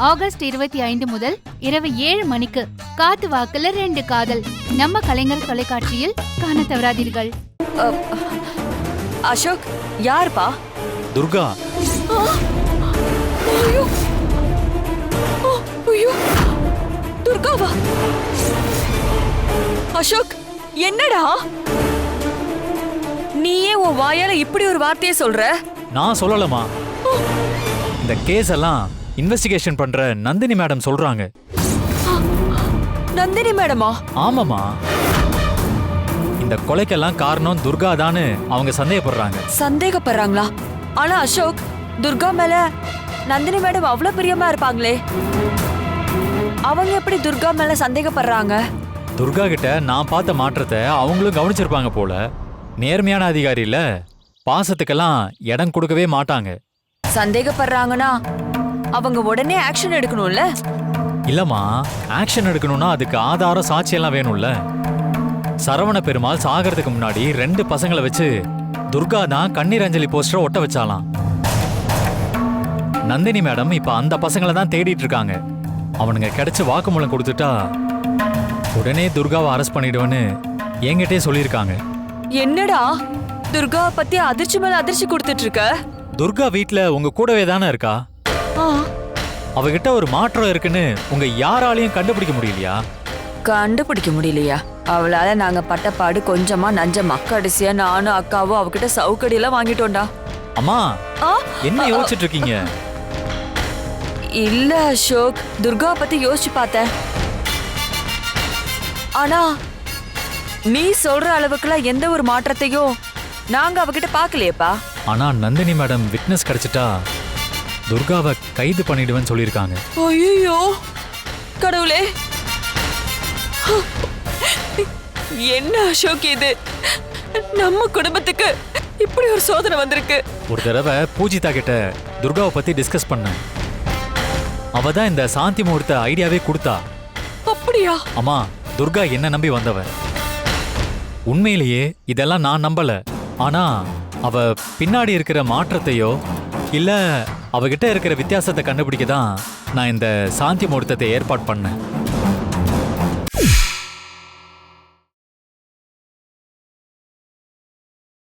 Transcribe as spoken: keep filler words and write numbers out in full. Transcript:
August இருபத்தி ஐந்து முதல் இரவு ஏழு மணிக்கு காத்து வாக்குல ரெண்டு காதல் நம்ம கலைஞர் தொலைக்காட்சியில் காண தவறாதீர்கள். அசோக், யாருப்பா? துர்கா. துர்காவா? அசோக், என்னடா நீயே உன் வாயால இப்படி ஒரு வார்த்தையை சொல்ற? நான் சொல்லலமா. இந்த கேஸ் எல்லாம் இன்வெஸ்டிகேஷன் பண்ற நந்தினி மேடம் சொல்றாங்க. நந்தினி மேடமா? ஆமாமா. இந்த கொலைக்கெல்லாம் காரணம் துர்கா தான்னு அவங்க சந்தேகப்படுறாங்க. சந்தேகப்படுறாங்களா? ஆனா அசோக், துர்கா மேல நந்தினி மேடம் அவ்வளவு பிரியமா இருப்பாங்களே, அவங்க எப்படி துர்கா மேல சந்தேகப்படுறாங்க? துர்கா கிட்ட நான் பார்த்த மாற்றத்தை அவங்களும் கவனிச்சிருப்பாங்க போல. நேர்மையான அதிகாரி இல்ல, பாசத்துக்கெல்லாம் இடம் கொடுக்கவே மாட்டாங்க. சந்தேகப்படுறாங்கன்னா அவங்க உடனே ஆக்ஷன் எடுக்கணும்ல? இல்லம்மா, ஆக்ஷன் எடுக்கணும்னா அதுக்கு ஆதாரம் சாட்சியெல்லாம் வேணும்ல. சரவண பெருமாள் சாகிறதுக்கு முன்னாடி ரெண்டு பசங்களை வச்சு துர்கா தான் கண்ணீர் அஞ்சலி போஸ்டரை ஒட்ட வச்சாலாம். நந்தினி மேடம் இப்ப அந்த பசங்களை தான் தேடிட்டு இருக்காங்க. அவனுங்க கிடைச்சு வாக்குமூலம் கொடுத்துட்டா உடனே துர்காவை அரெஸ்ட் பண்ணிடுவேன்னு என்கிட்டே சொல்லியிருக்காங்க. என்னடா துர்கா பத்தி அதிர்ச்சி மேல அதிர்ச்சி கொடுத்துட்டு இருக்க? துர்கா வீட்ல உங்க கூடவே தானே இருக்கா. அவகிட்ட ஒரு மாற்றம் இருக்குன்னு உங்க யாராலையும் கண்டுபிடிக்க முடியலையா? கண்டுபிடிக்க முடியலையா? அவளால நாங்க பட்டப்பாடு கொஞ்சமா நஞ்சமா. கடைசியா நானும் அக்காவும் அவகிட்ட சவுக்கடி எல்லாம் வாங்கிட்டோம்டா. அம்மா, என்ன யோசிச்சுட்டு இருக்கீங்க? இல்ல அசோக், துர்கா பத்தி யோசிச்சு பார்த்தேன். ஆனா நீ சொல்ற அளவுக்குலாம் எந்த ஒரு மாற்றத்தையும் நாங்க அவகிட்ட பாக்கலையேப்பா. ஆனா நந்தினி மேடம் விட்னஸ் கிடைச்சிட்டா துர்காவை கைது பண்ணிடுவேன்னு சொல்லியிருக்காங்க. ஐயோ கடவுளே, என்ன அசோக் இது? நம்ம குடும்பத்துக்கு இப்படி ஒரு சோதனை வந்திருக்கு. ஒரு தடவை பூஜிதா கிட்ட துர்காவை பத்தி டிஸ்கஸ் பண்ண. அவ தான் இந்த சாந்தி முகூர்த்த ஐடியாவே கொடுத்தா. அப்படியா? அம்மா, துர்கா என்ன நம்பி வந்தவ. உண்மையிலேயே இதெல்லாம் நான் நம்பல. ஆனா அவ பின்னாடி இருக்கிற மாற்றத்தையோ இல்ல அவகிட்ட இருக்கிற வித்தியாசத்தை கண்டுபிடிக்க தான் நான் இந்த சாந்தி முகூர்த்தத்தை ஏற்பாடு பண்ணேன்.